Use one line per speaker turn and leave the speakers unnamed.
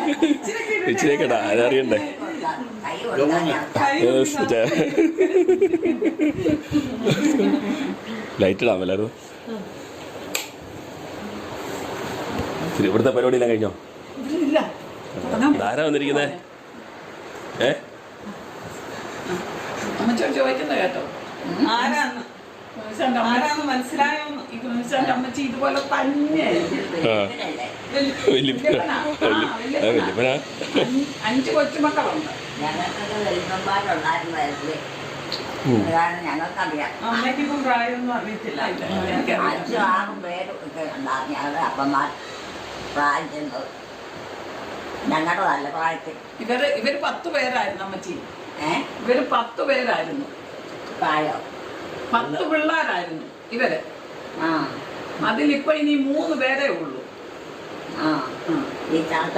ഇച്ചിരിക്കടാ അതറിയണ്ടേ. Light ഇടാൻ എല്ലാവരും. ഇവിടുത്തെ പരിപാടിയെല്ലാം കഴിഞ്ഞോ? ആരാ വന്നിരിക്കുന്നേ?
ചോദിക്കുന്ന കേട്ടോ ആരാന്ന് മനസ്സിലായോ? അമ്മച്ചി ഇതുപോലെ തന്നെ 5 കൊച്ചുമക്കളുണ്ട്.
ഞങ്ങൾക്കറിയാം.
അമ്മയ്ക്കിപ്പം പ്രായമൊന്നും അറിയത്തില്ല.
5-6 പേര് ഞങ്ങളുടെ അപ്പന്മാർ പ്രായം ചെന്നത് ഞങ്ങളുടെ നല്ല പ്രായത്തിൽ.
ഇവര് 10 പേരായിരുന്നു അമ്മച്ചി. ഇവര് 10 പേരായിരുന്നു
പ്രായം.
10 പിള്ളേരായിരുന്നു ഇവര്. അതിലിപ്പോ ഇനി 3 പേരേ ഉള്ളൂ.
ഈ